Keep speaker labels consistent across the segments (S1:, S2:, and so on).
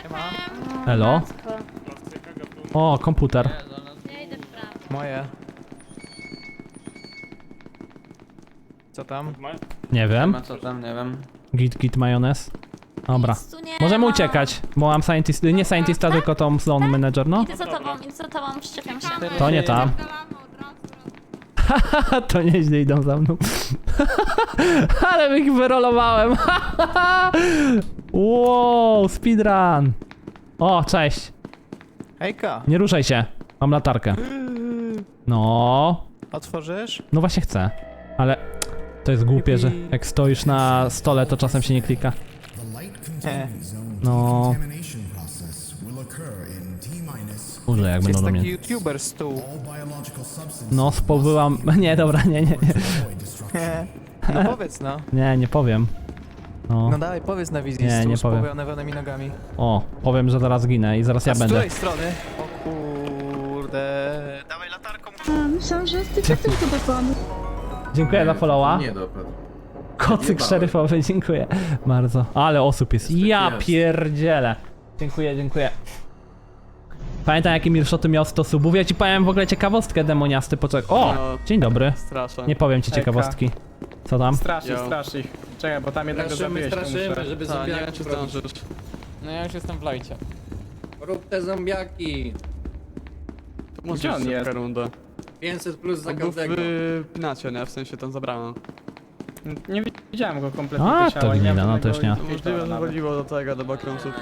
S1: Elo. O, komputer.
S2: Ja idę w prawo.
S3: Moje. Co tam?
S1: Nie wiem.
S4: Co tam, nie wiem.
S1: Git majonez. Dobra.
S2: Nic tu nie
S1: Możemy
S2: ma.
S1: uciekać, bo mam scientist, nie scientista, tylko tą zone manager, no.
S2: Idę za tobą, przyczepiam się.
S1: To nie tam. To nieźle idą za mną. Ale ich wyrolowałem. Wow, speedrun. O, cześć.
S3: Hejka.
S1: Nie ruszaj się. Mam latarkę. No.
S3: Otworzysz?
S1: No właśnie chcę. Ale to jest głupie, że jak stoisz na stole, to czasem się nie klika. No. Boże, jak będą
S3: Jest
S1: do
S3: taki
S1: mnie.
S3: youtuber stół.
S1: No, spowyłam. Nie, dobra, nie.
S3: No powiedz no.
S1: Nie powiem. No.
S3: No dawaj, powiedz na wizji
S1: Nie,
S3: stół
S1: nie
S3: z
S1: powiem.
S3: powyjanymi nogami.
S1: O, powiem, że zaraz ginę i zaraz ja
S3: A z
S1: będę.
S3: której strony? O kurde. Dawaj latarką.
S5: Myślałam, że jest tylko dopadł.
S1: Dziękuję za followa.
S6: Nie dopadł.
S1: Kocyk szeryfowy, dziękuję bardzo. Ale osób jest. Ja
S6: jest.
S1: pierdzielę. Dziękuję. Pamiętam jakie milshoty miał 100 subów. Ja ci powiem w ogóle ciekawostkę demoniasty. Poczekaj. O!
S7: No.
S1: Dzień dobry.
S7: Straszę.
S1: Nie powiem ci
S3: Hejka.
S1: ciekawostki. Co tam?
S7: Strasznie,
S4: Yo.
S7: strasz ich. Czekaj, bo tam jednego zabiłeś, to muszę.
S6: żeby
S7: Tak, nie wiem czy zdążysz.
S8: No ja już jestem w lajcie.
S6: Rób te zombiaki.
S7: To może
S8: on jest?
S7: rundę.
S6: 500 plus za
S7: On był
S6: każdego.
S7: w nacie, nie? W sensie tam zabrano.
S8: Nie widziałem go kompletnie.
S1: A,
S8: ciała,
S1: to
S8: nie
S1: gmina,
S8: miałem
S1: no to już nie.
S8: żadnego
S7: Możliwe, że
S8: nawet.
S7: woliło do tego, do backroomsów.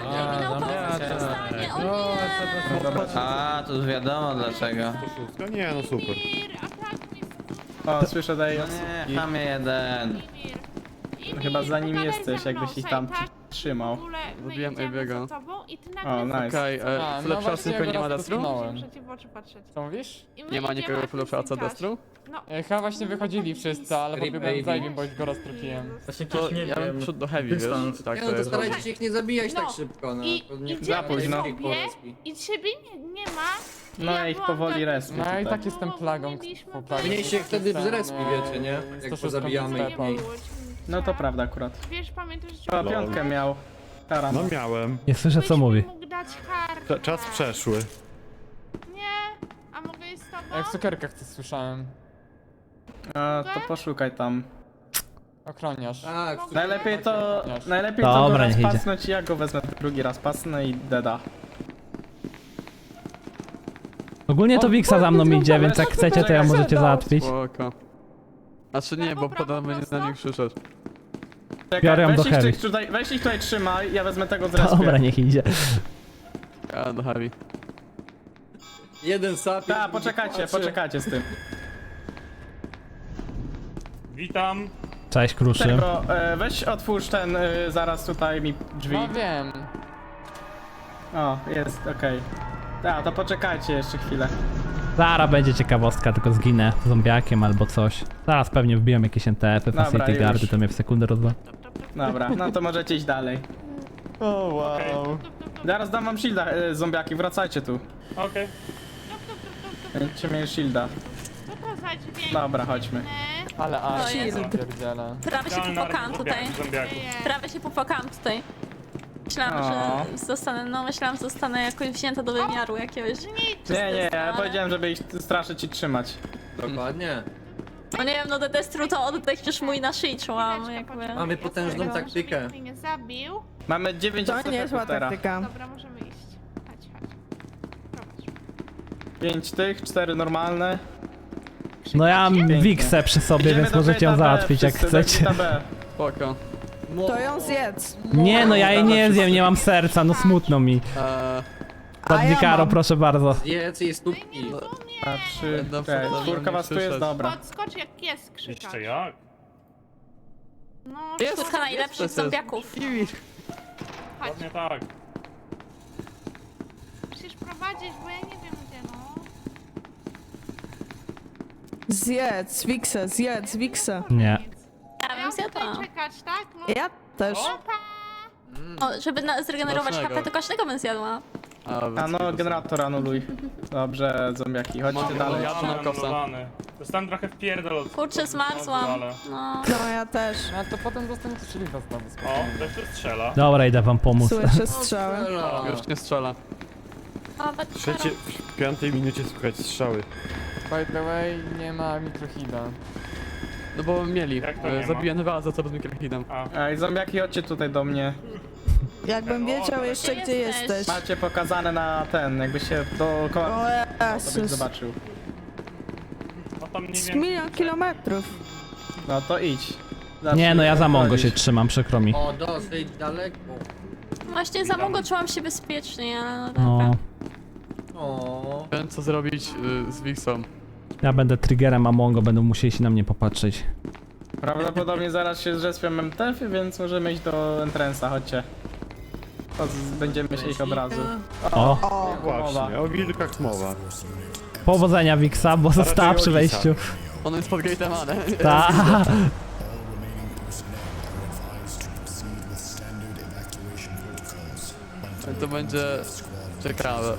S4: A, to już wiadomo dlaczego.
S9: No nie, no super.
S8: O, słyszę daję.
S4: No nie, chamie jeden.
S8: Chyba za nim jesteś, jakbyś ich tam trzymał.
S7: Zabiłem Abiego.
S8: O, nice.
S7: Okej, full option tylko nie ma Destru?
S8: Co mówisz?
S7: Nie ma nikogo full option Destru?
S8: Chyba właśnie wychodzili wszyscy, ale
S6: Creep
S8: pobiegłem za
S6: baby.
S8: nim, bo już go roztrupiłem.
S7: To ja bym przyszedł do heavy, wiesz? Tak
S6: Nie
S7: to
S6: no to
S7: jest.
S6: starajcie się ich nie zabijać tak
S10: No.
S6: szybko, no.
S10: I-
S6: To nie
S10: i
S8: Za późno.
S10: I ciebie nie ma.
S8: No ja ich powoli respię No i
S10: tutaj.
S8: tak jestem plagą.
S6: Mniej się wtedy zrespi, wiecie, nie? Jak pozabijamy ich mniej.
S8: No to prawda akurat.
S10: Wiesz, pamiętasz, że
S8: O, piątkę miał. Taran.
S9: No miałem.
S1: Nie słyszę co mówi.
S10: mógł dać kartę.
S9: Czas przeszły.
S10: Nie, a mogę iść z tobą?
S8: Jak w cukierkach coś słyszałem. To poszukaj tam. Ochroniarz.
S6: Tak,
S8: Najlepiej to
S1: Dobra,
S8: go raz
S1: niech idzie.
S8: pasnąć i ja go wezmę drugi raz pasnę i deda.
S1: Ogólnie to Wiksa za mną idzie, więc jak chcecie, to ja możecie załatwić.
S7: Spoko. Znaczy nie, bo potem będzie na nich krzyczeć.
S8: Czekaj,
S1: Biorę ją do heavy.
S8: weź ich tutaj trzymaj, ja wezmę tego z respie.
S1: Dobra, niech idzie.
S7: Ja do heavy.
S6: jeden sap.
S8: Tak, poczekajcie z tym.
S9: Witam.
S1: Cześć, Kruszym.
S8: Tego, weź otwórz ten zaraz tutaj mi drzwi. No wiem. O, jest, okej. Tak, to poczekajcie jeszcze chwilę.
S1: Zaraz będzie ciekawostka, tylko zginę zombiakiem albo coś. Zaraz pewnie wbiłem jakieś NTF-y,
S8: Dobra,
S1: Facility
S8: już.
S1: Guardy, to mnie w sekundę rozwa.
S8: Dobra, no to możecie iść dalej.
S7: O wow.
S8: Zaraz dam wam shielda, zombiaki, wracajcie tu.
S9: Okej.
S8: Będziecie mieli shielda.
S10: Co to za dźwięk?
S8: Dobra, chodźmy.
S2: To jest.
S8: Pierdziele.
S2: Prawie się popłakałam tutaj. Prawie się popłakałam tutaj. Myślałam, że zostanę jakoś wzięta do wymiaru jakiegoś.
S8: Nie, ja powiedziałem, żeby ich straszyć i trzymać.
S6: Dokładnie.
S2: No nie wiem, no Destru to oddech już mój na szyi czułam, jakby.
S6: Mamy potężną taktykę.
S10: Nikt mnie nie zabił.
S8: Mamy 9 STF-ów teraz.
S10: Dobra, możemy iść. Chodź. Prowadź.
S8: 5 tych, 4 normalne.
S1: No ja mam
S8: Pięknie.
S1: Wiksę przy sobie,
S8: Idziemy
S1: więc
S8: do
S1: możecie ją
S8: gate'a B,
S1: załatwić jak
S8: wszyscy do
S1: chcecie.
S8: gate'a B.
S7: Spoko.
S3: To ją zjedz.
S1: Nie no, ja jej nie zjem, nie mam serca, no smutno mi. Padnikaro, proszę bardzo.
S6: Jedz jej stópki.
S8: A 3,
S7: Dobrze, dobrze,
S8: czwórka was tu jest,
S7: słyszeć.
S8: dobra.
S10: Podskocz jak jest krzyczać.
S9: Jeszcze jak?
S10: No,
S2: Czwórka najlepszych zombiaków.
S10: chodź.
S9: Ładnie tak.
S10: Musisz prowadzić, bo ja nie wiem gdzie, no.
S5: Zjedz, Wiksa, zjedz, Wiksa.
S1: Nie.
S2: Ja
S10: Ja
S2: bym
S10: mam
S2: zjadła.
S10: tutaj czekać, tak? No,
S5: Ja też.
S10: opa!
S2: O, żeby zregenerować
S7: Smacznego.
S2: HP, to każdego bym zjadła.
S8: A no, generator anuluj. Dobrze, zombiaki, chodźcie dalej.
S7: Ja tu na kopsa.
S9: Anulowany. Dostałem trochę w pierdol od...
S2: Kurczę, zmarzłam.
S9: Ale...
S2: No.
S5: No ja też.
S6: A to potem dostaniecie szlifa znowu.
S9: O, ktoś tu strzela.
S1: Dobra, idę wam pomóc.
S5: Słyszę strzały.
S7: Już nie strzela.
S2: O,
S9: W 5 minucie słychać strzały.
S6: By the way, nie ma mikrohida.
S7: No bo mieli.
S9: Jak to nie ma?
S7: Zabiję za co bez mikrohidem.
S8: Ej, zombiaki, chodźcie tutaj do mnie.
S5: Jakbym wiedział jeszcze gdzie jesteś.
S8: Macie pokazane na ten, jakby się dookoła
S5: O
S8: to byś
S5: Jezus.
S8: zobaczył.
S9: No tam nie
S5: Z
S9: wiem.
S5: 1 000 000 kilometrów.
S8: No to idź.
S1: Nie, no ja za Mongo
S8: chodzić.
S1: się trzymam, przykro mi.
S6: O, dosyć daleko.
S2: Właśnie za Mongo czułam się bezpiecznie, ale no dobra.
S1: No,
S6: O.
S7: Wiem co zrobić z Wixą.
S1: ja będę triggerem, a Mongo będą musieli się na mnie popatrzeć.
S8: Prawdopodobnie zaraz się zrespią MTF-y, więc możemy iść do entrance'a, chodźcie. To będziemy się ich od razu.
S1: O,
S5: O,
S9: Właśnie, o wilkach mowa.
S1: powodzenia Wixa, bo została przy wejściu.
S7: Ono jest pod gate'em, ale...
S1: Ta.
S7: To będzie ciekawe.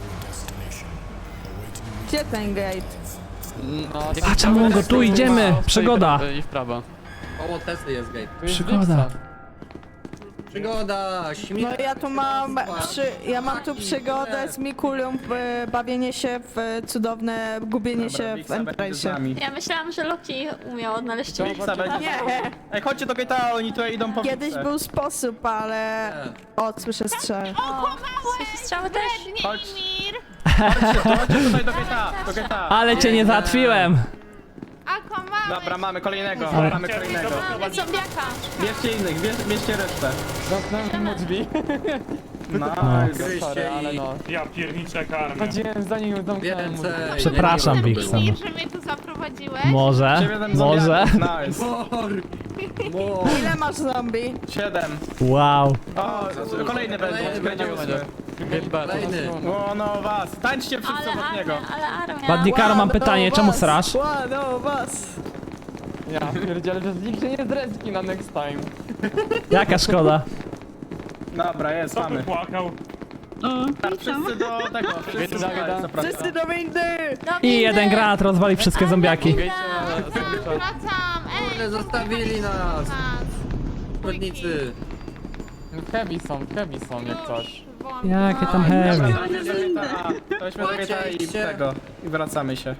S5: gdzie ten gate?
S6: No,
S1: Patrz, Mongo, tu idziemy! Przygoda!
S7: I w prawo.
S6: koło Tesy jest gate.
S1: Przygoda.
S6: Przygoda, śmierć.
S5: No ja tu mam ja mam tu przygodę z Mikulią, bawienie się w cudowne gubienie się w
S8: Wixa będzie z
S5: entrance'ie.
S8: nami.
S2: Ja myślałam, że Loki umiał odnaleźć
S8: Wixa będzie.
S5: Nie,
S8: Ej, chodźcie do gate'a, oni tutaj idą po
S5: kiedyś
S8: Wixę.
S5: był sposób, ale... O, słyszę strzały.
S2: Słyszę strzały też.
S8: Chodźcie tutaj do gate'a,
S1: Ale cię nie załatwiłem!
S8: Dobra, mamy kolejnego, mamy kolejnego.
S2: Mamy zombiaka.
S8: Bierzcie innych, bierzcie resztę.
S6: Zamknąłem mu drzwi.
S8: Nice.
S6: Sorry, ale no.
S9: Ja pierniczę jaka armia.
S6: Chodziłem za nim, zamknąłem mu drzwi.
S1: Przepraszam, Wixa.
S10: Mir, że mnie tu zaprowadziłeś.
S1: Może?
S8: 7
S1: Może?
S8: zombiaków, nice.
S5: Ile masz zombie?
S8: 7.
S1: Wow.
S8: O, kolejny będzie 8.
S7: Gate B.
S8: O, no was, tańczcie wszyscy
S2: Ale
S8: obok niego.
S2: armia, ale armia.
S1: Badnikaro, mam pytanie, czemu srasz?
S5: Ładno was.
S6: Ja pierdzielę, że nikt się nie zreski na next time.
S1: Jaka szkoda?
S8: Dobra, jest,
S9: Kto tu
S8: mamy.
S9: płakał?
S8: Wszyscy do tego, wszyscy
S6: Gada,
S8: tutaj,
S6: gada.
S8: zapraszam.
S5: Wszyscy do windy!
S2: Do
S1: I
S2: windy.
S1: jeden granat rozwali wszystkie zombiaki.
S10: Wracam, ej.
S6: Kurde, zostawili nas.
S10: Nas.
S6: Chodnicy. Heavy są jak coś.
S1: Jakie tam heavy.
S8: To weźmy do gate'a i tego. I wracamy się.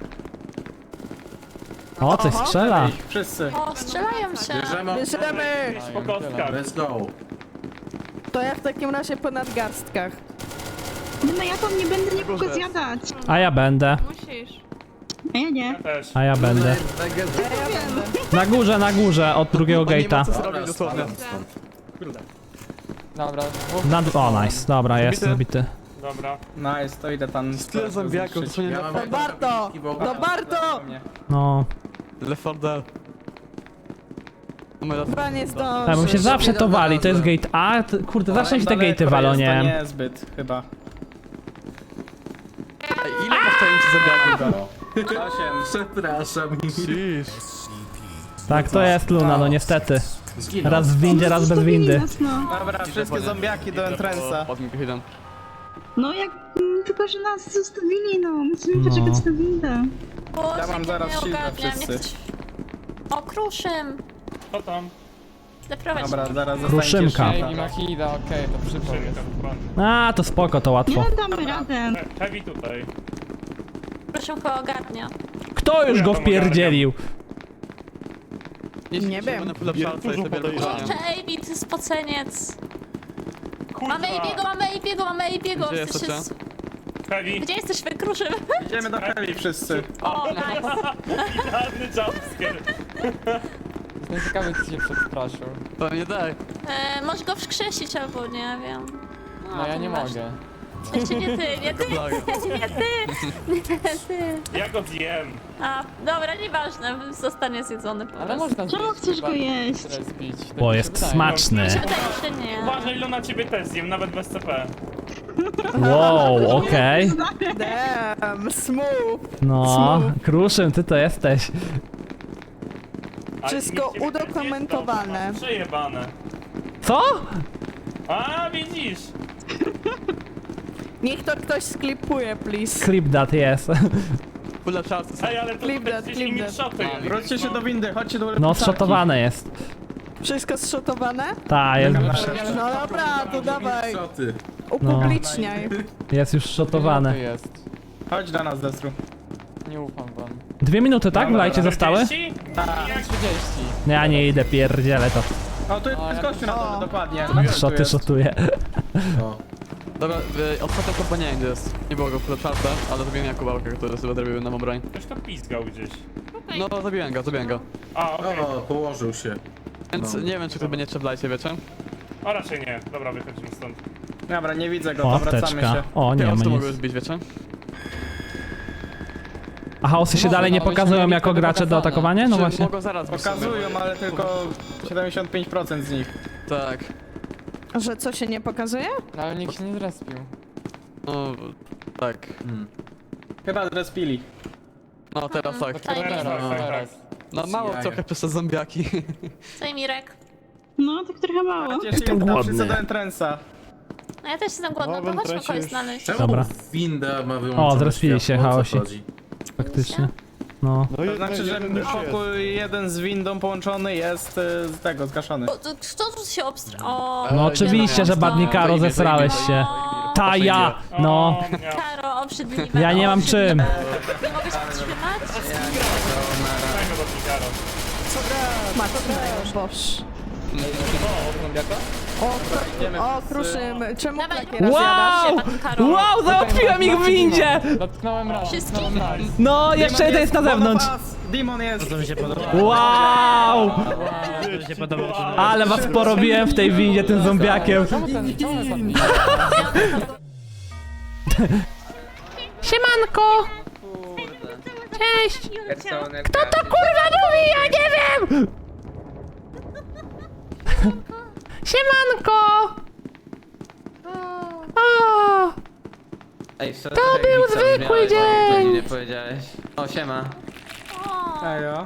S1: O, coś strzela.
S8: Ich, wszyscy.
S2: O, strzelają się.
S5: Bierzemy!
S9: Po kostkach.
S5: To ja w takim razie po nadgarstkach. No ja tam nie będę nikogo zjadać.
S1: A ja będę.
S10: Musisz.
S9: Ja też.
S1: A ja będę. Na górze, od drugiego
S7: Nie ma
S1: gate'a.
S7: co zrobić dosłownie.
S6: Dobra.
S1: O, nice. Dobra, jest zabity.
S9: Dobra.
S8: Nice, to idę tam.
S7: Tyle zombiaków, to nie na
S5: Do Barto! Do Barto!
S1: No.
S7: Left 4 Dead.
S5: Chyba nie zdążysz.
S1: Tak, bo się zawsze to wali, to jest gate A. Kurde, zawsze się te gate'y walą,
S8: To
S1: nie?
S8: niezbyt, chyba.
S7: Ej, ile masz tajemnicy zombiaków?
S8: 8.
S6: Przepraszam.
S7: Cisz.
S1: Tak, to jest Luna, no niestety. Raz w windzie, raz bez windy.
S8: Dobra, wszystkie zombiaki do entrance'a.
S7: Pod mikrohidem.
S5: No jak... tylko, że nas zostawili, no. Musimy
S1: poczekać
S5: na windę.
S2: Boże,
S8: Ja mam
S2: jak
S8: zaraz
S2: nie
S8: shielda
S2: ogarniam,
S8: wszyscy.
S2: nie chcę- O, kruszym.
S9: Co tam?
S2: Zaprowadź.
S8: Dobra, zaraz
S1: Kruszymka.
S8: zostańcie
S6: Ej, nie ma hida, okej, to przypał jest.
S9: Szybka, dokładnie.
S1: A, to spoko, to łatwo.
S5: Damy radę.
S9: Heavy tutaj.
S2: Kruszym go ogarnia.
S1: Kto już go wpierdzielił?
S5: Nie wiem.
S7: Będę polepszalca i sobie
S2: Kurczę, Ejbi, ty spoceniec. Mamy Ejbiego, mamy Ejbiego, mamy Ejbiego.
S7: Gdzie
S2: Jesteś
S7: jesteście?
S9: Heavy.
S2: Gdzie jesteś, Kruszym?
S8: Idziemy do Heli wszyscy.
S2: O, nice.
S9: Idealny jumpscare.
S6: Jestem ciekawy, co się przestraszył.
S7: To nie daj.
S2: Możesz go wskrzesić albo nie wiem.
S6: No ja
S2: to
S6: nie
S2: nieważne.
S6: mogę.
S2: Jeszcze nie ty, nie ty,
S7: Plaga.
S2: nie ty, nie ty.
S9: Ja go zjem.
S2: A, dobra, nieważne, zostanie zjedzony po
S6: Ale
S2: prostu.
S6: można
S5: Czemu chcesz go jeść?
S1: Bo jest smaczny.
S2: Mi się wydaje, że nie.
S9: Uważaj, Luna, ciebie też zjem, nawet bez CP.
S1: Wow, okej.
S5: Damn, smooth.
S1: No, Kruszym, ty to jesteś.
S9: A
S5: Wszystko
S9: nikt ciebie nie zje,
S5: udokumentowane.
S9: to masz Przejebane.
S1: Co?
S9: A, widzisz.
S5: Niech to ktoś sklipuje, please.
S1: Clip that, jest.
S7: Ulepszarce są.
S9: Ej, ale to
S5: Clip that,
S9: gdzieś
S5: clip
S9: mi
S5: that.
S9: szoty.
S8: Wróćcie się do windy, chodźcie do
S1: No,
S8: ulepszarki.
S1: zszotowane jest.
S5: Wszystko zszotowane?
S1: Ta, jest,
S5: No dobra, to dawaj. Upubliczniaj.
S1: jest już szotowane.
S3: jest.
S8: Chodź do nas, Destru.
S3: Nie ufam wam.
S1: 2 minuty, tak? W lajcie zostały?
S9: 40?
S8: Tak.
S3: 30.
S1: Ja nie idę, pierdzielę to.
S8: O, tu jest gościu na dole, dokładnie.
S1: Szoty szotuję.
S7: Dobra, ostatnio chyba nie wiem gdzie jest. Nie było go w ulepszarce, ale zabiłem Jakubałkę, który sobie zrobił nam broń.
S9: Ktoś to pizgał gdzieś.
S7: No, zabiłem go.
S9: A, okej.
S11: Położył się.
S7: Więc nie wiem, czy to będzie w lajcie, wiecie?
S9: O, raczej nie. Dobra, wychodzimy stąd.
S8: Dobra, nie widzę go,
S1: O,
S8: to wracamy
S1: apteczka.
S8: się.
S1: O, nie
S7: Ja
S1: ma
S7: to mogłem
S1: nic.
S7: zbić, wiecie?
S1: A chaosy się dalej nie pokazują jako gracze do atakowania? No
S7: Czy
S1: właśnie.
S7: mogą zaraz być sobie?
S8: Pokazują, ale tylko 75% z nich.
S7: Tak.
S5: Że co się nie pokazuje?
S3: No, ale nikt się nie zrespił.
S7: No, tak.
S8: Chyba zrespili.
S7: No, teraz tak.
S2: Co i Mirek?
S3: Teraz.
S7: No, mało trochę przez te zombiaki.
S2: Co i Mirek?
S10: No, tak trochę mało.
S1: Jestem głodny.
S8: do entrance'a.
S2: No ja też jestem głodna, to chodźmy kogoś znaleźć.
S11: Czemu
S1: Dobra.
S11: winda ma wyłączone
S1: O, zrespili się,
S11: światło? O co
S1: chaosi.
S11: chodzi?
S1: Faktycznie. No.
S8: To znaczy, że pokój jeden z windą połączony jest z tego, zgaszony.
S2: Kto tu się O,
S1: No oczywiście, że Badnikaro, zesrałeś się. Ta ja! No.
S9: O, miał.
S2: Karo, obrzydliwe.
S1: Ja nie mam czym.
S2: Nie mogę się wstrzymać?
S9: Dajmy do Pigaro.
S5: Matko, boż.
S8: Idziemy
S5: O,
S8: wszyscy.
S5: Kruszymy. Czemu
S2: Dawaj,
S5: takie rozjadasz?
S1: Wow!
S2: Badnikaro.
S1: Wow, załatwiłem ich w windzie!
S3: Dotknąłem raz.
S2: Wszystkich.
S1: No, jeszcze jeden jest na zewnątrz.
S8: Demon jest!
S1: Wow! Ale was porobiłem w tej windzie tym zombiakiem.
S3: Czemu ten zabija?
S1: Siemanko! Cześć! Kto to kurwa mówi? Ja nie wiem! Siemanko! O!
S4: Ej,
S1: To był zwykły dzień!
S4: Nie powiedziałeś. O, siema.
S8: Ejo.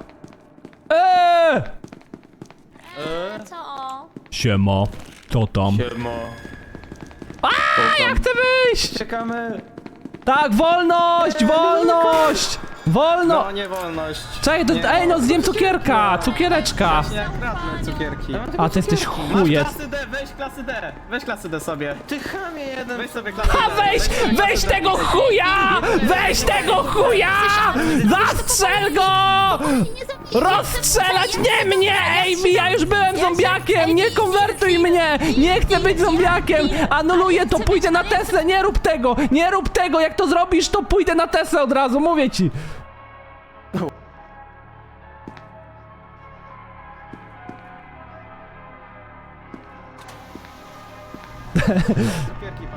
S2: Co?
S1: Siema, co tam? Ja chcę wyjść!
S4: Czekamy.
S1: Tak, wolność! Wolność! Wolno!
S8: No, nie wolność.
S1: Czekaj, ej no zjem cukierka! Cukiereczka!
S8: Nie kradnę cukierki.
S1: A ty jesteś chujec.
S8: Klasy D, weź klasy D. Weź klasy D sobie.
S4: Ty chamie jeden.
S8: Weź sobie klasy D.
S1: A weź tego chuja! Weź tego chuja! Zastrzel go! Rozstrzelać nie mnie! Ej, ja już byłem zombiakiem! Nie konwertuj mnie! Nie chcę być zombiakiem! Anuluję to, pójdę na Teslę! Nie rób tego! Nie rób tego! Jak to zrobisz, to pójdę na Teslę od razu, mówię ci!
S8: Cukierki,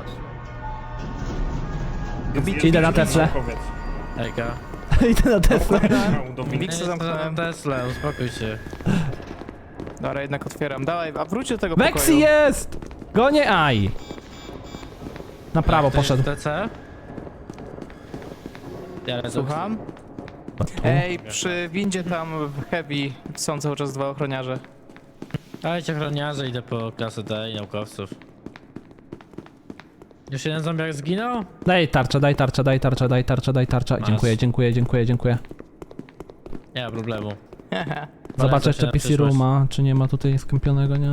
S8: patrz.
S1: Idę na Teslę.
S6: Ejka.
S1: Idę na Teslę.
S6: Wiksa zamknąłem Tesla, uspokój się.
S3: Dobra, jednak otwieram. Dawaj, a wróć do tego
S1: Vexi
S3: pokoju.
S1: jest! Gonie Aj. Na prawo poszedł.
S6: TC? Ja
S3: Słucham? Ej, przy windzie tam w Heavy są cały czas 2 ochroniarze.
S6: Dajcie ochroniarze, idę po klasę D i naukowców. Już jeden zombiak zginął?
S1: Daj tarczę, daj tarczę, daj tarczę, daj tarczę, daj tarczę.
S6: Masz.
S1: Dziękuję, dziękuję, dziękuję, dziękuję.
S6: Nie ma problemu.
S1: Zobaczę
S6: się
S1: jeszcze
S6: na
S1: PC
S6: przyszłość.
S1: Rooma, czy nie ma tutaj skąpionego, nie?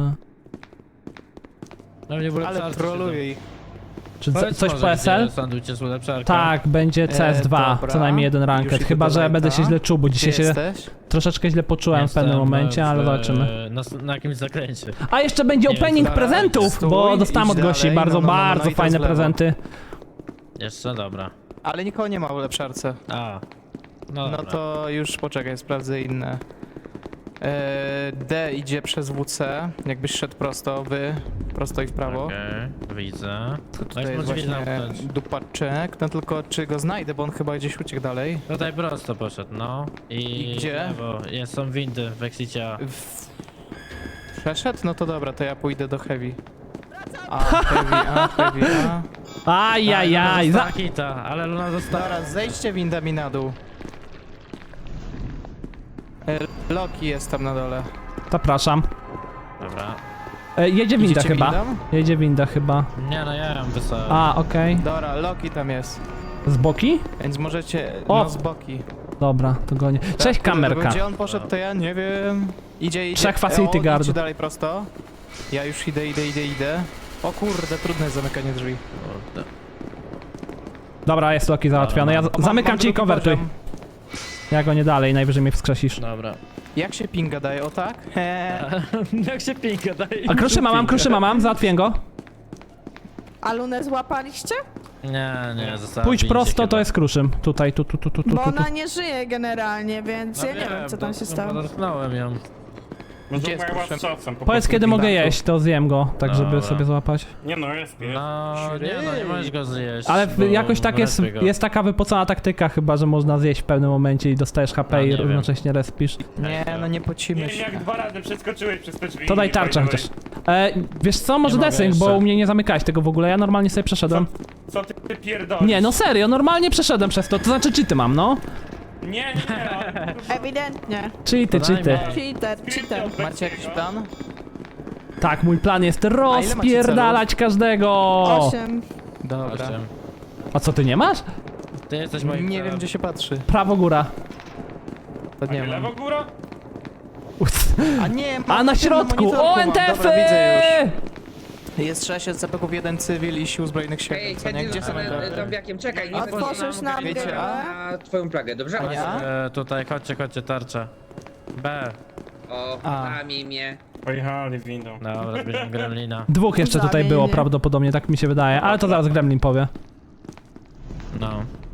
S6: No nie było
S3: Ale troluję ich.
S1: Czy coś po SL?
S6: Sandujcie z ulepszarką.
S1: Tak, będzie CS2,
S3: dobra.
S1: co najmniej jeden
S3: Już
S1: ranked.
S3: idę
S1: Chyba,
S3: do
S1: że
S3: lighta.
S1: będę się źle czuł, bo dzisiaj
S3: Gdzie
S1: się
S3: jesteś?
S1: troszeczkę źle poczułem w pewnym momencie, ale zobaczymy.
S6: Na jakimś zakręcie.
S1: A jeszcze będzie
S6: Nie wiem,
S1: opening
S3: co
S1: prezentów,
S3: stój,
S1: bo dostałem od
S3: idź
S1: gości
S3: dalej,
S1: bardzo,
S3: no i
S1: bardzo
S3: to z
S1: fajne
S3: lewo.
S1: prezenty.
S6: Jeszcze dobra.
S3: Ale nikogo nie ma w ulepszarce.
S6: A. No,
S3: No
S6: dobra.
S3: to już poczekaj, sprawdzę inne. D idzie przez WC, jakbyś szedł prosto, prosto i w prawo.
S6: Okej, widzę.
S3: Tutaj
S6: Weź
S3: jest
S6: może
S3: właśnie
S6: zamknąć.
S3: dupaczek, no tylko czy go znajdę, bo on chyba gdzieś uciekł dalej.
S6: Tutaj prosto poszedł, no.
S3: I gdzie?
S6: Lewo. Są windy w Exicia.
S3: Przeszedł? No to dobra, to ja pójdę do Heavy. Heavy,
S1: Ajajaj,
S6: Luna kita, ale Luna została.
S3: Dobra, zejdźcie windami na dół. Loki jest tam na dole.
S1: zapraszam.
S6: Dobra.
S1: Jedzie winda
S3: Idziecie
S1: chyba.
S3: windą?
S1: Jedzie winda chyba.
S7: Nie no, ja ją wysłałem.
S1: A, okej.
S3: Dobra, Loki tam jest.
S1: Z boki?
S3: Więc możecie...
S1: O!
S3: No z boki.
S1: Dobra, to gonię. Cześć,
S3: Tak,
S1: kamerka.
S3: Gdzie on poszedł, to ja nie wiem. Idzie.
S1: Trzech facility
S3: O,
S1: guardów.
S3: idźcie dalej prosto. Ja już idę. O kurde, trudne jest zamykanie drzwi.
S1: Dobra, jest Loki załatwiony. Ja zamykam ci i
S3: drugi
S1: konwertuj.
S3: poziom.
S1: Ja go nie dalej, najwyżej mnie wskrzesisz.
S7: Dobra.
S3: Jak się pinga daje, o tak?
S7: Jak się pinka daje?
S1: A kruszyma mam, załatwię go.
S5: A Lunę złapaliście?
S7: Nie, zostałem.
S1: Pójdź prosto, to jest kruszym. Tutaj, tu.
S5: Bo ona nie żyje generalnie, więc ja nie wiem, co tam się stało.
S7: Dotknąłem ją.
S3: Gdzie jest
S9: Moja
S3: proszę?
S9: z czasem. po
S1: Powiedz
S9: prostu
S1: kiedy mogę
S9: winda.
S1: jeść, to zjem go, tak żeby
S7: Dobra.
S1: sobie złapać.
S9: Nie no, jest.
S7: Nie możesz go zjeść.
S1: Ale
S7: bo
S1: jakoś tak jest,
S7: wylepię go.
S1: jest taka wypocona taktyka chyba, że można zjeść w pewnym momencie i dostajesz HP
S7: A,
S1: i
S7: nie wiem.
S1: równocześnie respisz.
S3: Nie, no nie pocimy
S9: Nie,
S3: się.
S9: jak 2 razy przeskoczyłeś przez te drzwi.
S1: To daj
S9: i
S1: tarczę
S9: by the
S1: chociaż. Wiesz co, może
S7: Nie mogę
S1: desync, bo
S7: jeszcze.
S1: u mnie nie zamykałeś tego w ogóle, ja normalnie sobie przeszedłem.
S9: way. Co ty pierdolisz?
S1: Nie, no serio, normalnie przeszedłem przez to znaczy cheaty mam, no.
S9: Nie.
S5: Ewidentnie.
S1: Cheaty.
S5: Cheater.
S3: Macie jakiś plan?
S1: Tak, mój plan jest rozpierdalać każdego.
S5: 8.
S3: Dobra.
S1: A co, ty nie masz?
S7: Ty jesteś moim
S3: Nie wiem, gdzie się patrzy.
S1: Prawo góra.
S3: To nie mam.
S9: Lewo góra?
S3: A nie,
S1: A na środku!
S3: monitorku
S1: O,
S3: mam.
S1: NTF-y!
S3: Dobra, widzę już. Jest 6 CP-ków, 1 cywil i sił zbrojnych światów, co nie? Gdzie są NTF-y?
S4: Zombiakiem, czekaj, nie
S5: Otworzysz nam
S3: Wiecie,
S5: grę?
S4: na twoją plagę, dobrze?
S3: A ja?
S7: Tutaj, chodźcie, tarcza. B.
S4: O,
S3: A.
S4: zamiej mnie.
S9: Pojechali windą.
S7: Dobra, zbieram gremlina.
S1: Dwóch jeszcze tutaj
S5: Zamienię.
S1: było prawdopodobnie, tak mi się wydaje, ale to zaraz Gremlin powie.
S7: No.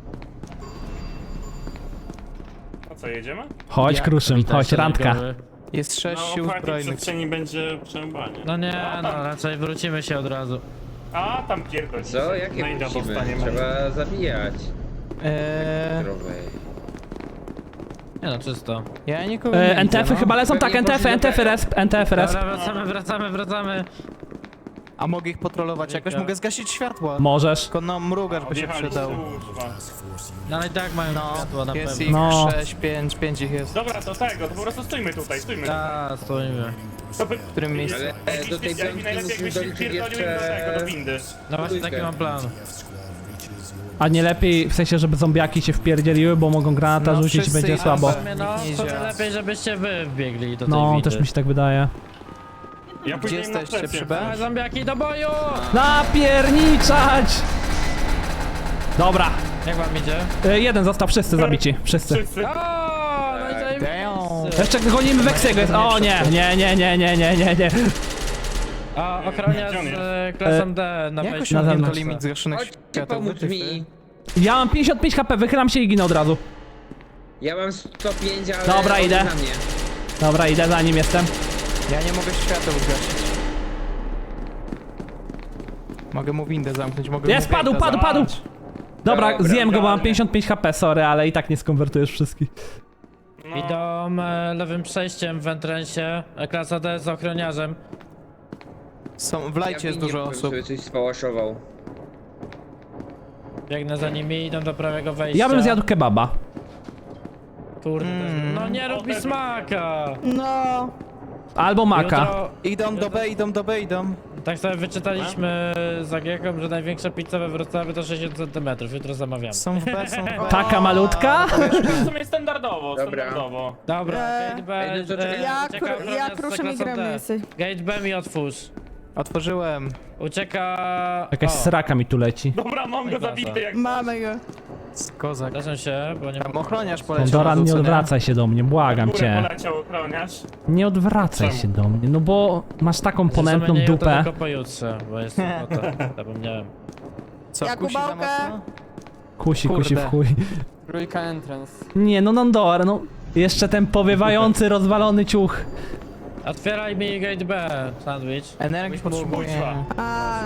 S9: A co, jedziemy?
S1: Chodź,
S3: Jak?
S1: Kruszym,
S7: Witaj,
S1: chodź, randka.
S7: szeregowy.
S3: Jest 6
S9: Na
S3: sił
S9: otwartej
S3: zbrojnych.
S9: przestrzeni będzie przerąbanie.
S7: No nie, no raczej wrócimy się od razu.
S9: A, tam pierdolisz.
S4: Co? Jakie
S9: No i
S4: musimy?
S9: dostaniemy.
S4: Trzeba zabijać. Zdrowej.
S7: Nie no, czysto.
S3: Ja nikogo nie widzę,
S1: NTF-y
S3: no.
S1: chyba lecą, tak,
S4: Pewnie
S1: NTF-y resp, NTF-y resp.
S7: Dobra, wracamy.
S3: A mogę ich patrolować jakoś? Mogę zgasić światła.
S1: Możesz.
S3: Tylko no mrugacz by się
S9: Odjechali
S3: przydał.
S9: z służba.
S7: No ale i tak mają światło na
S3: Jest
S7: pewno.
S3: ich
S1: No.
S3: 6, 5 ich jest.
S9: Dobra, to tego, to po prostu stójmy tutaj.
S7: A, stoimy.
S9: To by...
S3: W którym miejscu?
S4: Ale do tej
S9: Jakby
S4: piątki
S9: najlepiej
S4: musimy
S9: jakbyś się
S4: doliczyć
S9: wpierdolił do tego, do
S4: jeszcze...
S9: windy.
S7: No właśnie taki mam plan.
S1: A nie lepiej, w sensie, żeby zombiaki się wpierdzieliły, bo mogą granata
S3: No,
S1: rzucić i
S3: wszyscy
S1: będzie
S3: idą
S1: słabo.
S3: we-
S7: No,
S3: Nie
S7: to
S3: działa.
S7: lepiej, żebyście wy wbiegli do tej
S1: No,
S7: windy.
S1: też mi się tak wydaje.
S9: Ja
S3: Gdzie
S9: pójdę im na
S3: jesteście?
S9: plecy.
S3: Przy B?
S7: A, zombiaki do boju!
S1: Napierniczać! Dobra,
S7: Jak wam idzie?
S1: jeden został, wszyscy zabici, wszyscy.
S9: Wszyscy.
S7: O, no i zajebiście.
S1: Jeszcze gonimy Weksiego, jest, o nie.
S7: A, ochroniarz
S9: Gdzie on jest?
S7: z klasą D na
S3: Jak
S7: wejściu.
S1: na
S3: osiągnięto
S1: zewnątrz.
S3: limit zgaszonych
S4: Chodźcie
S3: światów?
S4: pomóc
S3: Wytyfy.
S4: mi.
S1: Ja mam 55 HP, wychylam się i ginę od razu.
S4: Ja mam 105, ale...
S1: Dobra,
S4: on
S1: idę.
S4: na mnie.
S1: Dobra, idę za nim jestem.
S3: Ja nie mogę świateł zgasić. Mogę mu windę zamknąć, mogę
S1: Jest,
S3: mu
S1: padł.
S3: gate'a zamknąć.
S1: Dobra,
S4: Dobra,
S1: zjem go, bo mam
S9: ogarnię.
S1: 55 HP, sorry, ale i tak nie skonwertujesz wszystkich.
S9: No.
S7: Idą lewym przejściem w entrensie. Klasa D z ochroniarzem.
S3: W lajcie jest dużo osób.
S4: sobie coś spałaszował.
S7: Biegnę za nimi, idą do prawego wejścia.
S1: Ja bym zjadł kebaba.
S7: Kurde, no nie rób mi smaka!
S5: No.
S1: Albo maka.
S7: Jutro,
S3: Idą do B.
S7: tak sobie wyczytaliśmy z Agieką, że największa pizza we Wrocławiu to 60 cm. Jutro zamawiamy.
S3: Są w B, są w B.
S1: Taka malutka?
S9: W sumie standardowo,
S4: Dobra.
S9: standardowo.
S7: Dobra, gate B.
S4: Ej, no to czekaj,
S5: Ja kruszę mi gremlisy.
S7: Gate B mi otwórz.
S3: Otworzyłem.
S7: Ucieka...
S1: Jakaś sraka mi tu leci.
S9: Dobra, mam go zabity jak...
S5: Mamy go.
S3: Kozak.
S7: Zdarza się, bo nie
S3: Tam
S7: mam...
S3: ochroniarz poleciał.
S1: Doran,
S3: na
S1: nie
S3: dół, co
S1: odwracaj się do mnie, błagam
S9: Górę
S1: cię.
S9: poleciał ochroniarz.
S1: Nie odwracaj
S9: Czemu?
S1: się do mnie, no bo masz taką ponętną
S7: Zamienię to
S1: dupę.
S7: tylko pojutrze, bo jest sobota. Zapomniałem.
S3: Co,
S5: Jak
S3: kusi za
S5: kubałkę?
S3: mocno?
S1: Kusi
S3: Kurde.
S1: w chuj.
S6: Trójka entrance.
S1: Nie, no Nandor, no. Jeszcze ten powiewający, rozwalony ciuch.
S7: Otwieraj mi gate B, sandwich.
S3: Energii potrzebuję.
S9: Kuźwa.
S5: A,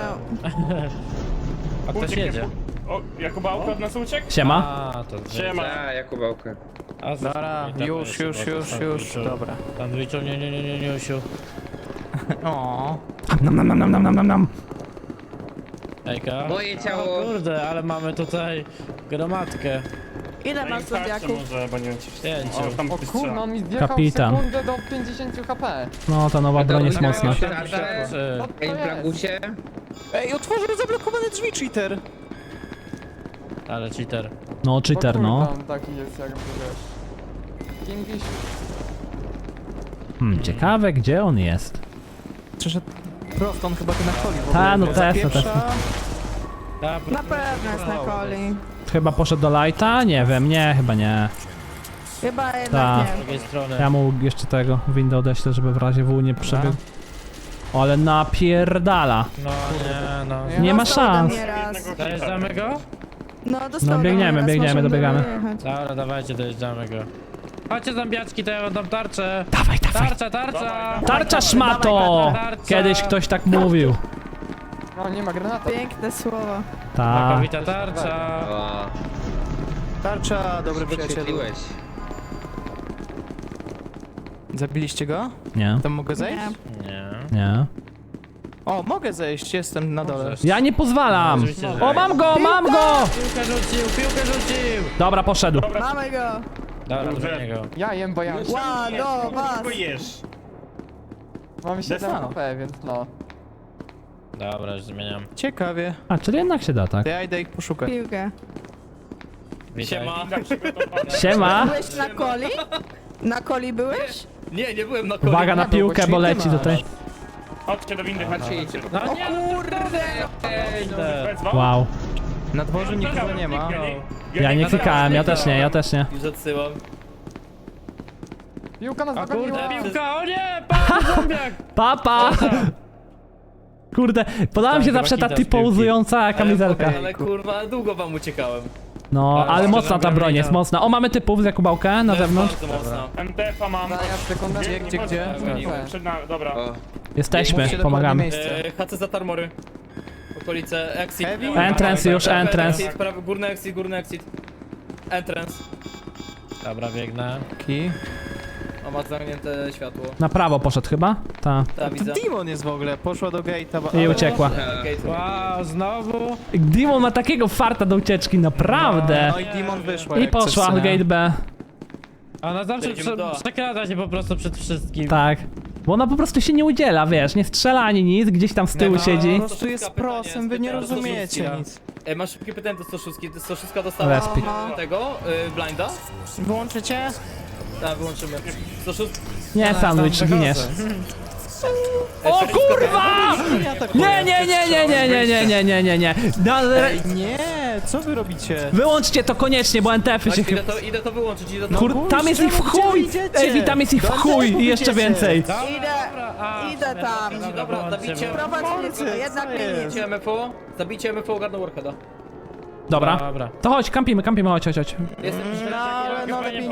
S7: A ktoś
S9: Uciekł,
S7: jedzie.
S9: O, Jakubałka od nas uciekł?
S1: Siema.
S7: A, to
S9: Siema.
S4: A, Jakubałkę.
S7: A,
S3: Dobra,
S7: i tak
S3: już.
S7: jest,
S3: Dobra.
S7: Sandwichu, nie, Usiu.
S3: O.
S1: Nam.
S7: Ejka.
S4: Moje ciało.
S7: O kurde, ale mamy tutaj gromadkę.
S5: Ile masz zombiaków?
S9: Może, bo nie wiem, czy... O, tam
S7: O kurna, on mi zjechał
S1: Kapitan.
S7: w sekundę do 50 HP.
S1: No, ta nowa broń jest mocna.
S7: Co to jest?
S3: Ej, otworzył zablokowane drzwi, cheater!
S6: Ale cheater.
S1: No, cheater, no.
S7: Tam taki jest jakby, wiesz... Kingfish.
S1: Ciekawe, gdzie on jest.
S3: Przeszedł prosto, on chyba tu na coli w ogóle.
S1: Ta, no
S3: Za
S1: Tesla,
S3: pierwsza-
S1: Tesla.
S5: Na pewno jest na coli.
S1: Chyba poszedł do lighta? Nie wiem, nie, chyba nie.
S5: Chyba
S1: Ta.
S5: jednak
S6: Z
S5: nie.
S6: drugiej strony.
S1: Ja mu jeszcze tego windę odeślę, żeby w razie W nie przebiegł. Ale napierdala.
S6: No nie, no.
S1: Nie ma
S5: Dostał ode
S1: szans.
S5: mnie raz.
S6: Dojeżdżamy go?
S5: No, dostał
S1: No,
S5: ode
S1: biegniemy,
S5: mnie raz,
S1: biegniemy,
S5: możemy
S1: dobiegamy.
S5: dojechać.
S6: Dobra, dawajcie, dojeżdżamy go. Chodźcie zombiaczki, to ja wam dam tarczę.
S1: Dawaj, dawaj.
S6: Tarcza!
S1: Tarcza szmato!
S6: Tarcza.
S1: Kiedyś ktoś tak mówił.
S7: No nie ma granata.
S5: Piękne słowo.
S1: Ta.
S6: Makowita tarcza!
S3: Tarcza, dobry przyjacielu. Zabiliście go?
S1: Nie,
S3: Tam mogę zejść?
S5: Nie.
S6: Nie.
S1: nie.
S3: O, mogę zejść, jestem na dole.
S1: Ja nie pozwalam!
S6: Oczywiście, że
S1: O, mam go, mam go!
S6: Piłkę rzucił!
S1: Dobra, poszedł.
S5: Mamy go.
S6: Dobra, do niego.
S7: Ja jem, bo ja
S5: Ła, do was.
S9: jesz.
S7: mam 7
S3: Desano.
S7: HP, więc no.
S6: Dobra, już zmieniam.
S3: Ciekawie.
S1: A, czyli jednak się da, tak?
S3: To ja idę ich poszukać.
S5: Piłkę.
S6: Witaj.
S1: Siema!
S5: Byłeś na coli? Na coli byłeś?
S6: Nie, nie byłem na
S1: Uwaga na
S7: Nie był, bo
S1: piłkę, bo
S7: świetny
S1: leci
S7: masz.
S1: tutaj.
S9: Chodźcie do windy, chodźcie.
S6: No nie, kurde!
S1: Wow.
S3: Na dworze nikogo nie ma.
S1: Ja nie klikałem, ja też nie, ja też nie.
S6: Już odsyłam.
S7: Piłka nas
S6: A
S7: dogoniła!
S6: kurde, piłka, o nie! Pan zombiak!
S1: Papa! Kurde, podała mi się
S6: Tam
S1: zawsze ta
S6: chyba kita z piłki.
S1: typołuzująca kamizelka.
S6: Ale kurwa, długo wam uciekałem.
S1: No, ale
S6: Bardzo
S1: mocna ta
S6: dobra
S1: broń jest
S6: mina.
S1: mocna. O, mamy typów z Jakubałkę na zewnątrz.
S6: Bardzo mocno.
S9: MTF-a mam.
S7: Ja sekundę.
S3: Gdzie?
S9: Przed nami, dobra.
S1: Jesteśmy,
S3: Mówcie dokładnie
S1: pomagamy.
S3: miejsce.
S6: HC za tarmory. Okolice, exit.
S3: Heavy?
S1: Entrance już, entrance.
S6: Exit, prawy, górny exit. Entrance. Dobra, biegnę.
S3: Ki.
S6: O, ma zamknięte światło.
S1: Na prawo poszedł chyba? Ta.
S6: Ta, widzę.
S3: To Demon jest w ogóle, poszła do gate'a.
S1: I
S3: ale-
S1: uciekła.
S6: Wow, znowu?
S1: Demon ma takiego farta do ucieczki, naprawdę.
S3: No i Demon wyszła.
S1: I
S3: jak coś,
S1: poszła
S3: co nie?
S1: gate B.
S6: Ona zawsze
S3: Przejdziemy do-
S6: przekrada się po prostu przed wszystkim.
S1: Tak. Bo ona po prostu się nie udziela, wiesz, nie strzela ani nic, gdzieś tam z tyłu
S6: No,
S1: siedzi.
S3: Po prostu jest prosem, wy nie rozumiecie nic.
S6: Masz szybkie pytanie do 106. 106 dostała
S1: Respik.
S6: tego, blinda.
S3: Wyłączycie?
S6: Tak, wyłączymy. 106.
S1: Nie, sandwich, giniesz. O kurwa! Nie, nie, nie, nie, nie, nie, nie, nie, nie, nie, nie.
S3: Ej, nie, co wy robicie?
S1: Wyłączcie to koniecznie, bo NTF-y się chyba...
S6: Idę to wyłączyć, idę to...
S1: Kur... Tam jest ich w chuj! Ej, tam jest ich w chuj i jeszcze więcej.
S5: Idę tam.
S6: Dobra, zabijcie.
S5: Prowadź policję, jednak mnie nie.
S6: Zabijcie MFO, zabijcie MFO, ogarnął Warheada.
S1: Dobra. To chodź, kampimy, chodź, chodź, chodź.
S6: Jestem
S5: No, ale no lepiej.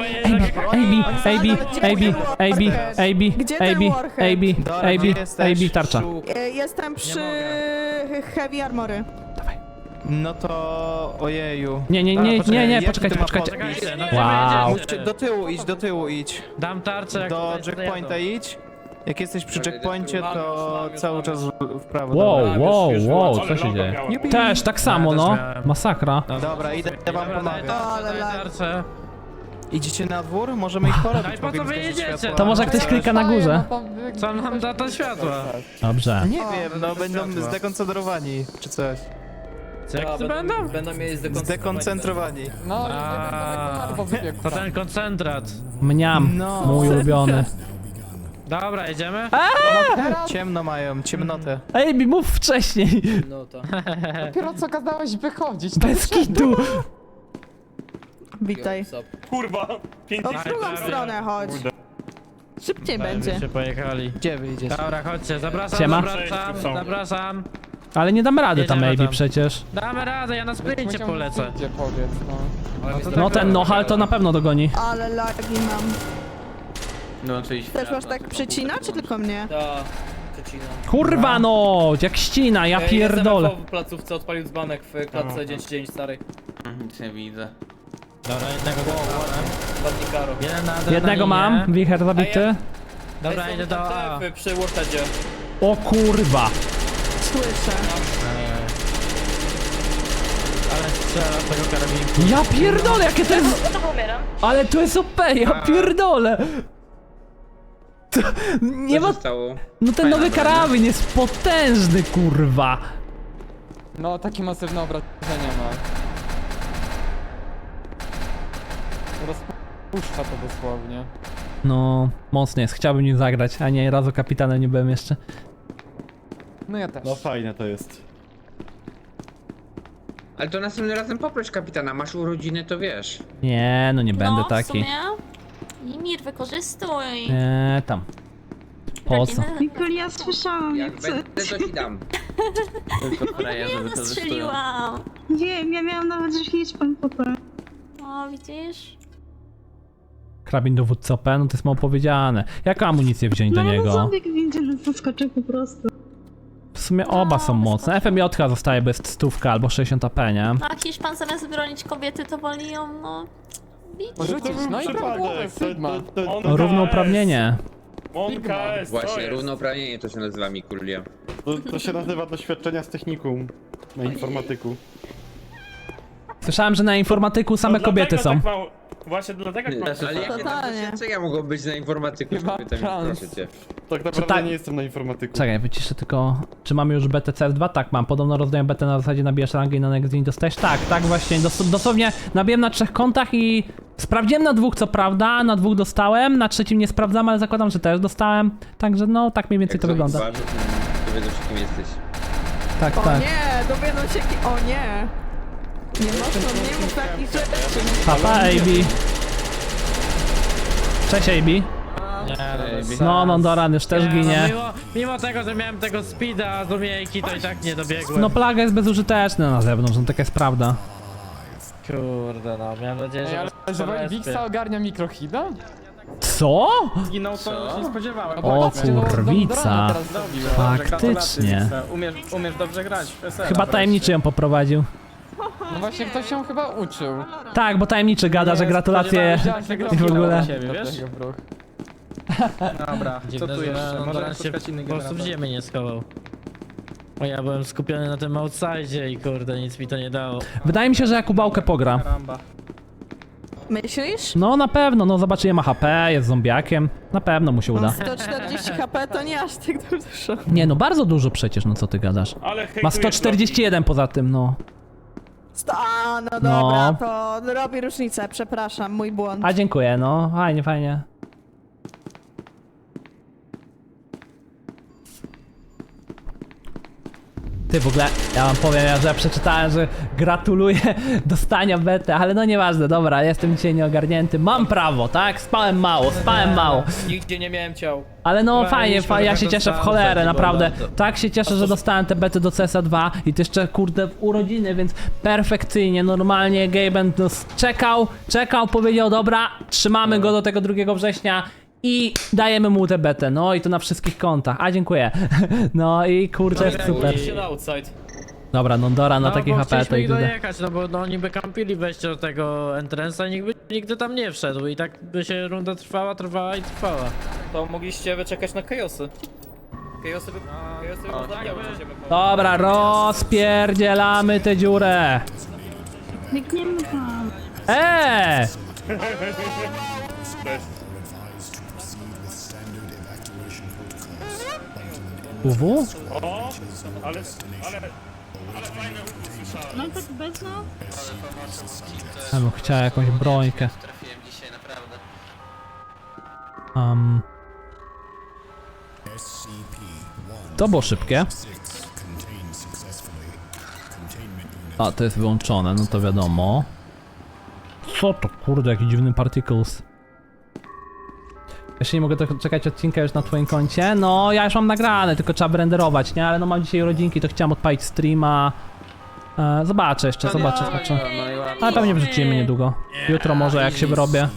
S5: Gdzie ten Warhead?
S1: AB, tarcza.
S5: Jestem przy Heavy Armory.
S3: No to... ojeju.
S1: Nie,
S3: Jaki
S1: poczekajcie,
S3: to ma
S1: poczekajcie.
S3: podpis?
S1: Wow.
S3: Musicie do tyłu idź.
S6: Dam tarczę, jak
S3: Do
S6: tutaj
S3: checkpointa idź. Jak jesteś przy checkpoincie, to
S6: Mam
S3: cały
S6: już.
S3: czas w prawo.
S1: Wow, co się dzieje? Też, tak samo, no. Masakra.
S3: Dobra, idę wam pomagać.
S5: Ale lag.
S6: tarczę.
S3: Idziecie na dwór? Możemy ich porobić.
S6: Daj, po co
S3: mogę
S6: wy
S3: zgasić
S6: jedziecie?
S3: światła.
S1: To może ktoś klika na górze.
S6: Co nam da to światła?
S1: Dobrze.
S3: Nie wiem, no będą zdekoncentrowani, czy coś.
S6: Co, jak to będą? Będą mieli
S3: Zdekoncentrowani.
S7: No, bo wybiegł.
S6: To ten koncentrat.
S1: Mniam,
S3: No.
S1: mój ulubiony.
S6: Dobra, jedziemy?
S3: Ciemno mają, ciemnotę.
S1: Ej, mi mów wcześniej.
S6: No to.
S7: Dopiero co kazałeś wychodzić, to
S1: Bez kitu.
S5: Witaj.
S9: Kurwa, 5
S5: No w drugą stronę chodź. Szybciej będzie.
S6: Byście pojechali.
S3: Gdzie wy idziecie?
S6: Dobra, chodźcie, zapraszam,
S1: Siema.
S6: zapraszam.
S1: Ale nie damy rady tam,
S6: Jedziemy
S1: AB
S6: tam.
S1: przecież.
S6: Damy radę, ja na sprincie polecę.
S7: Gdzie powiedz, no.
S1: No ten Nohal to na pewno dogoni.
S5: Ale lagi mam.
S4: No, czyli
S5: Też masz tak przycina, czy tylko mnie?
S6: Ta, przecinam.
S1: Kurwa no, jak ścina, ja pierdolę.
S6: w placówce odpalił dzbanek w klatce 9 starej.
S4: Nic nie widzę.
S6: Dobra, jednego ładnie karo. Jeden na adrenalinie.
S1: Jednego mam, wicher zabity.
S6: Dobra, idę do A. Przy Warheadzie.
S1: O kurwa.
S5: Słyszę.
S6: Ale strzela z tego karabinku.
S1: Ja pierdolę, jakie to jest... Ale to jest OP, ja pierdolę. To, nie ma... No ten nowy karabin jest potężny, kurwa.
S7: No, takie masywne obrażenia ma. Rozpuszcza to dosłownie.
S1: No, mocno jest, chciałbym nim zagrać, a nie razu kapitanem nie byłem jeszcze.
S7: No ja też.
S12: No fajne to jest.
S4: Ale to następnym razem poproś kapitana, masz urodziny, to wiesz.
S1: Nie, no nie będę
S2: No, w
S1: taki.
S2: sumie. Imir, wykorzystuj.
S1: Nie, tam. Po co?
S10: Mikul, ja słyszałam,
S4: Jak będę, to ci dam. Tylko frajerzy wykorzystują.
S2: Strzeliłam.
S10: Wiem, ja miałam nawet, że liczbę potem.
S2: O, widzisz?
S1: Karabin dowódcy OP, no to jest mało powiedziane. Jaką amunicję wziąć do niego?
S10: Zombie windzie zaskoczył po prostu.
S1: W sumie oba są mocne. FMJ zostaje bez 100 albo 60 AP, nie?
S2: A Hiszpan zamiast bronić kobiety, to woli ją, no... bić.
S7: Rzucić, no i prawidłowe, Sigma.
S1: Równouprawnienie.
S9: Monka jest, to
S4: Właśnie,
S9: jest.
S4: równouprawnienie to się nazywa Mikulia.
S12: To się nazywa doświadczenia z technikum na informatyku.
S1: Słyszałem, że na informatyku same
S9: To
S1: kobiety
S9: dlatego
S1: są.
S9: tak mało- Właśnie dlatego tak mało.
S4: Ale jakie tam
S5: Totalnie.
S4: doświadczenia mogą być na informatyku,
S7: Chyba
S4: kobietami,
S7: trans.
S4: proszę cię.
S12: Tak naprawdę
S1: tak?
S12: nie jestem na informatyku.
S1: Czekaj, wyciszę tylko... Czy mamy już BTCS2? Tak, mam. Podobno rozdaję BT na zasadzie nabijesz rangę i na next dzień dostajesz. Tak właśnie. Dosłownie nabiłem na 3 kontach i... Sprawdziłem na 2, co prawda, na 2 dostałem, na 3 nie sprawdzam, ale zakładam, że też dostałem. Także no, tak mniej więcej
S4: Jak
S1: to wygląda.
S4: zauważysz, to wiedzą, kim jesteś.
S1: Tak,
S5: O
S1: tak.
S5: nie, dowiedzą się o nie. Nie mów takich rzeczy.
S1: Papa, AB. Cześć, AB. No, Doran już też ginie.
S6: Mimo tego, że miałem tego speeda z umiejki, to i tak nie dobiegłem.
S1: No, plaga jest bezużyteczna na zewnątrz, no taka jest prawda.
S6: Kurde, no, miałem nadzieję, że...
S7: Ej, ale że Wixa ogarnia mikrohida?
S1: Co?
S8: Zginął, to się nie spodziewałem.
S1: O
S7: Patrzcie, no,
S1: kurwica.
S7: Dorana teraz zrobiła.
S1: Faktycznie.
S8: Umiesz dobrze grać w PSL.
S1: Chyba tajemniczy ją poprowadził.
S7: No właśnie, ktoś się chyba uczył.
S1: Tak, bo tajemniczy gada, że gratulacje i w ogóle.
S8: Siebie, wiesz? Dobra, co
S6: Dziwne,
S8: tu
S6: że
S8: jeszcze? Może
S6: Doran się
S8: spotkać inny
S6: po prostu w
S8: generator.
S6: ziemię nie schował. O, ja byłem skupiony na tym outside i kurde, nic mi to nie dało.
S1: Wydaje mi się, że Jakubałkę pogra.
S8: Karamba.
S5: Myślisz?
S1: No na pewno, no zobaczy, ma HP, jest zombiakiem. Na pewno mu się uda.
S5: 140 HP to nie aż tak dużo.
S1: Nie no, bardzo dużo przecież, no co ty gadasz.
S9: Ale
S1: Ma
S9: hejtujesz
S1: 141 poza tym, no.
S5: A, no dobra,
S1: No.
S5: to robi różnicę, przepraszam, mój błąd.
S1: A dziękuję, no. Fajnie, fajnie. Ty w ogóle, ja wam powiem, że ja przeczytałem, że gratuluję dostania bety, ale no nieważne, dobra, jestem dzisiaj nieogarnięty, mam prawo, tak? Spałem mało.
S6: Nigdzie nie miałem ciał.
S1: Ale no
S6: Dobra,
S1: fajnie,
S6: mieliśmy
S1: ja się
S6: taką
S1: cieszę w
S6: samą
S1: cholerę,
S6: zasadę,
S1: naprawdę.
S6: bo bardzo.
S1: Tak się cieszę, że dostałem te bety do CSa 2 i to jeszcze kurde w urodziny, więc perfekcyjnie, normalnie Gaben no, czekał, powiedział dobra, trzymamy go do tego 2 września i dajemy mu tę betę, no i to na wszystkich kontach, a dziękuję. No i kurczę, jest super. Dobra, Nondora na taki HP to
S6: chcieliśmy
S1: i
S6: ich
S1: tyle.
S6: dojechać, no bo no, oni by kampili wejście do tego entrance'a i nikt by nigdy tam nie wszedł i tak by się runda trwała.
S8: To mogliście wyczekać na Chaosy. Chaosy by pozabijał ciebie.
S1: Dobra, rozpierdzielamy tę dziurę.
S10: Biegniemy tam.
S1: UW?
S9: O, ale fajne
S10: No tak bez no.
S1: Ja bym chciał jakąś brońkę.
S4: Trafiłem dzisiaj, naprawdę.
S1: To było szybkie. A, to jest wyłączone, no to wiadomo. Co to kurde, jaki dziwny particles. Jeszcze nie mogę czekać odcinka już na twoim koncie. No, ja już mam nagrane, tylko trzeba renderować, nie? Ale no mam dzisiaj urodzinki, to chciałem odpalić streama. Zobaczę jeszcze, zobaczę. Ale pewnie wrzucimy niedługo. Jutro może jak się wyrobię.